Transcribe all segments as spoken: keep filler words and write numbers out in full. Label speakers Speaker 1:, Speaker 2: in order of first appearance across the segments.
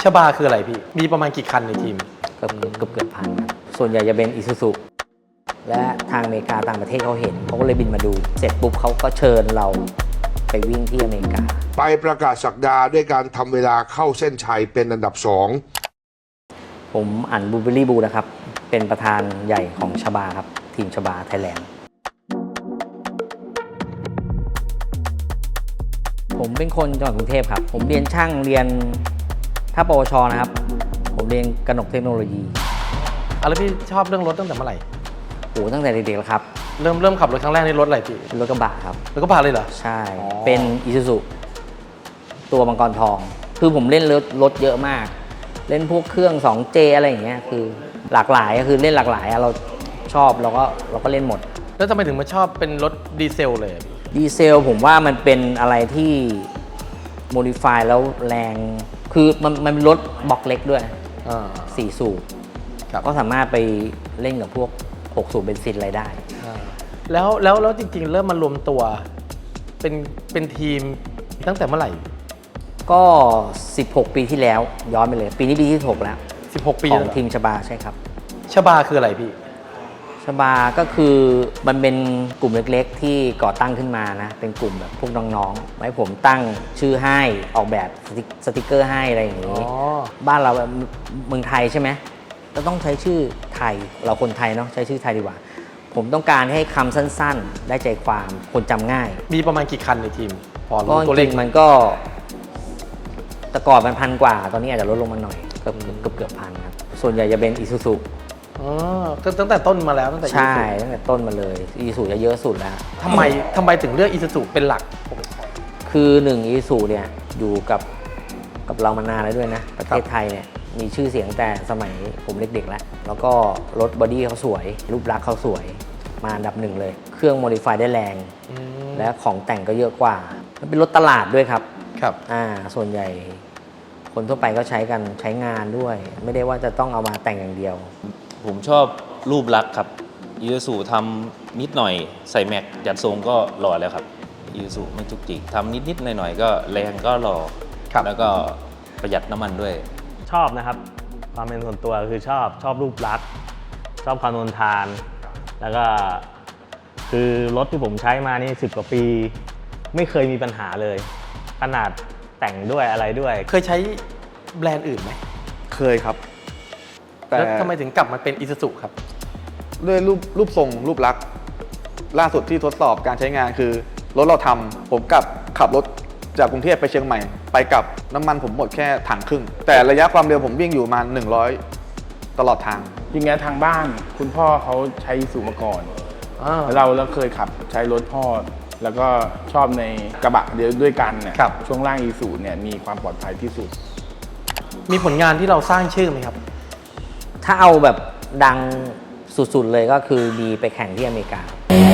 Speaker 1: ชบาคืออะไรพี่มีประมาณกี่คันในทีม
Speaker 2: เกือบเกือบเกือบพันครับส่วนใหญ่จะเป็นอิซูซุและทางอเมริกาต่างประเทศเขาเห็นเขาก็เลยบินมาดูเสร็จปุ๊บเขาก็เชิญเราไปวิ่งที่อเมริกา
Speaker 3: ไปประกาศศักดาด้วยการทำเวลาเข้าเส้นชัยเป็นอันดับสอง
Speaker 2: ผมอันบูเบอรี่บูนะครับเป็นประธานใหญ่ของชบาครับทีมชบาไทยแลนด์ผมเป็นคนจังหวัดกรุงเทพครับผมเรียนช่างเรียนถ้าปวชนะครับผมเรียนกนกเทคโนโลยี
Speaker 1: อ่ะแล้วพี่ชอบเรื่องรถตั้งแต่เมื่อไหร่
Speaker 2: โอ้ตั้งแต่เด็กๆแล้วครับ
Speaker 1: เริ่มเริ่มขับรถครั้งแรกนี่รถอะไรพี่
Speaker 2: รถกระบะครับ
Speaker 1: รถกระบะเลยเหรอ
Speaker 2: ใช่เป็นอิซูซุตัวมังกรทองคือผมเล่นรถรถเยอะมากเล่นพวกเครื่อง สองเจ อะไรอย่างเงี้ยคือหลากหลายก็คือเล่นหลากหลายเราชอบเราก็เราก็เล่นหมด
Speaker 1: แล้วทำไมถึงมาชอบเป็นรถดีเซลเลย
Speaker 2: ดีเซลผมว่ามันเป็นอะไรที่โมดิฟายแล้วแรงคือมันมันเป็นรถบล็อกเล็กด้วยสี่สูบก็สามารถไปเล่นกับพวกหกสูบเบนซินอะไรได้
Speaker 1: แล้วแล้วแล้วจริงๆเริ่มมารวมตัวเป็นเป็นทีมตั้งแต่เมื่อไหร่
Speaker 2: ก็สิบหกปีที่แล้วย้อนไปเลยปีนี้ปีที่สิบหกแล้ว
Speaker 1: สิบหกปี
Speaker 2: ของทีมชบาใช่ครับ
Speaker 1: ชบาคืออะไรพี่
Speaker 2: ชบาก็คือมันเป็นกลุ่มเล็กๆที่ก่อตั้งขึ้นมานะเป็นกลุ่มแบบพวกน้องๆไว้ผมตั้งชื่อให้ออกแบบสติกเกอร์ให้อะไรอย่างนี้บ้านเราเมืองไทยใช่ไหมก็ต้องใช้ชื่อไทยเราคนไทยเนาะใช้ชื่อไทยดีกว่าผมต้องการให้คำสั้นๆได้ใจความคนจำง่าย
Speaker 1: มีประมาณกี่คันในทีม
Speaker 2: พอรู้ตัวเลขมันก็แต่ก่อนมันพันกว่าตอนนี้อาจจะลดลงมาหน่อยเกือบเกือบเกือบพันครับส่วนใหญ่จะเป็นอิซูซุ
Speaker 1: อ๋อตั้งแต่ต้นมาแล้วตั้งแต่
Speaker 2: ใช่ตั้งแต่ต้นมาเลยอีซูจะเยอะสุดแล้ว
Speaker 1: ทำไมทำไมถึงเลือกอีซูเป็นหลัก
Speaker 2: คือหนึ่งอีซูเนี่ยอยู่กับกับเรามานานแล้วด้วยนะประเทศไทยเนี่ยมีชื่อเสียงแต่สมัยผมเด็กๆแล้วแล้วก็รถบอดี้เขาสวยรูปลักษณ์เขาสวยมาอันดับหนึ่งเลยเครื่องโมดิฟายได้แรงและของแต่งก็เยอะกว่ามันเป็นรถตลาดด้วยครับ
Speaker 1: ครับ
Speaker 2: อ่าส่วนใหญ่คนทั่วไปก็ใช้กันใช้งานด้วยไม่ได้ว่าจะต้องเอามาแต่งอย่างเดียว
Speaker 4: ผมชอบรูปลักษณ์ครับอีซูซูทำนิดหน่อยใส่แม็กจัดทรงก็หล่อแล้วครับอีซูซูไม่จุกจิกทำนิดๆหน่อยๆก็แรงก็หล่อแล้วก็ประหยัดน้ำมันด้วย
Speaker 5: ชอบนะครับความเป็นส่วนตัวคือชอบชอบรูปลักษณ์ชอบความทนทานแล้วก็คือรถที่ผมใช้มานี่สิบกว่าปีไม่เคยมีปัญหาเลยขนาดแต่งด้วยอะไรด้วย
Speaker 1: เคยใช้แบรนด์อื่นไหม
Speaker 6: เคยครับ
Speaker 1: แล้วทำไมถึงกลับมาเป็นอิซูซุครับ
Speaker 6: ด้วยรูปรูปทรงรูปลักษณ์ล่าสุดที่ทดสอบการใช้งานคือรถเราทำผมกลับขับรถจากกรุงเทพไปเชียงใหม่ไปกลับน้ำมันผมหมดแค่ถังครึ่งแต่ระยะความเร็วผมวิ่งอยู่มาหนึ่งร้อยตลอดทาง
Speaker 7: อย่างงี้ทางบ้านคุณพ่อเขาใช้อีซูมาก่อนเราเราเคยขับใช้รถพ่อแล้วก็ชอบในกระบะเดียวด้วยกันเนี่ยช่วงล่างอีซูเนี่ยมีความปลอดภัยที่สุด
Speaker 1: มีผลงานที่เราสร้างชื่อไหมครับ
Speaker 2: ถ้าเอาแบบดังสุดๆเลยก็คือมีไปแข่งที่อเมริกา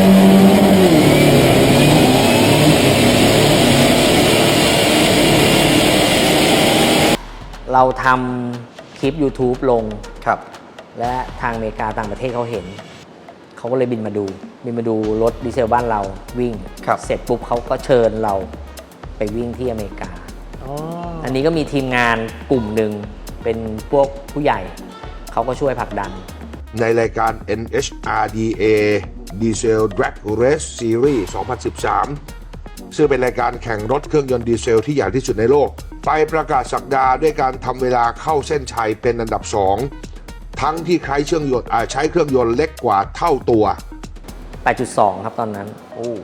Speaker 2: เราทำคลิป YouTube ลง
Speaker 1: ครับ
Speaker 2: และทางอเมริกาต่างประเทศเขาเห็นเขาก็เลยบินมาดูบินมาดูรถดีเซลบ้านเราวิ่งเสร็จปุ๊บเขาก็เชิญเราไปวิ่งที่อเมริกา อ, อันนี้ก็มีทีมงานกลุ่มหนึ่งเป็นพวกผู้ใหญ่เขาก็ช่วยผลักดัน
Speaker 3: ในรายการ เอ็น เอช อาร์ ดี เอ Diesel Drag Race Series สองพันสิบสามซึ่งเป็นรายการแข่งรถเครื่องยนต์ดีเซลที่ใหญ่ที่สุดในโลกไปประกาศศักดาด้วยการทำเวลาเข้าเส้นชัยเป็นอันดับสองทั้งที่ใช้เครื่องยนต์ใช้เครื่องยนต์เล็กกว่าเท่าตัว
Speaker 2: แปดจุดสอง ครับตอนนั้นโอ้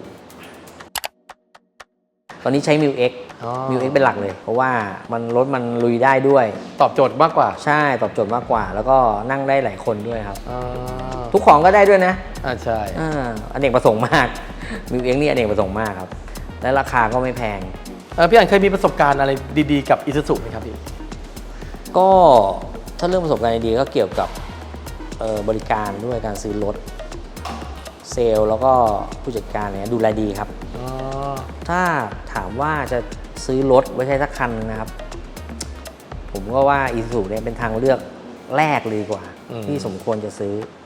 Speaker 2: ตอนนี้ใช้ มิว เอ็กซ์ มิว เอ็กซ์ เป็นหลักเลยเพราะว่ามันรถมันลุยได้ด้วย
Speaker 1: ตอบโจทย์มากกว่า
Speaker 2: ใช่ตอบโจทย์มากกว่าแล้วก็นั่งได้หลายคนด้วยครับทุกของก็ได้ด้วยนะ
Speaker 1: อ่าใช่
Speaker 2: อ่าอเนกประสงค์มาก มิว เอ็กซ์ นี่อเนกประสงค์มากครับและราคาก็ไม่แพง
Speaker 1: เออพี่อันเคยมีประสบการณ์อะไรดีๆกับอิซูซุไหมครับพี่
Speaker 2: ก็ถ้าเรื่องประสบการณ์ดีก็เกี่ยวกับบริการด้วยการซื้อรถเซลล์แล้วก็ผู้จัดการเนี่ยดูแลดีครับถ้าถามว่าจะซื้อรถไว้ใช้สักคันนะครับผมก็ว่าอีซูซุเนี่ยเป็นทางเลือกแรกเลยกว่าที่สมควรจะซื้อ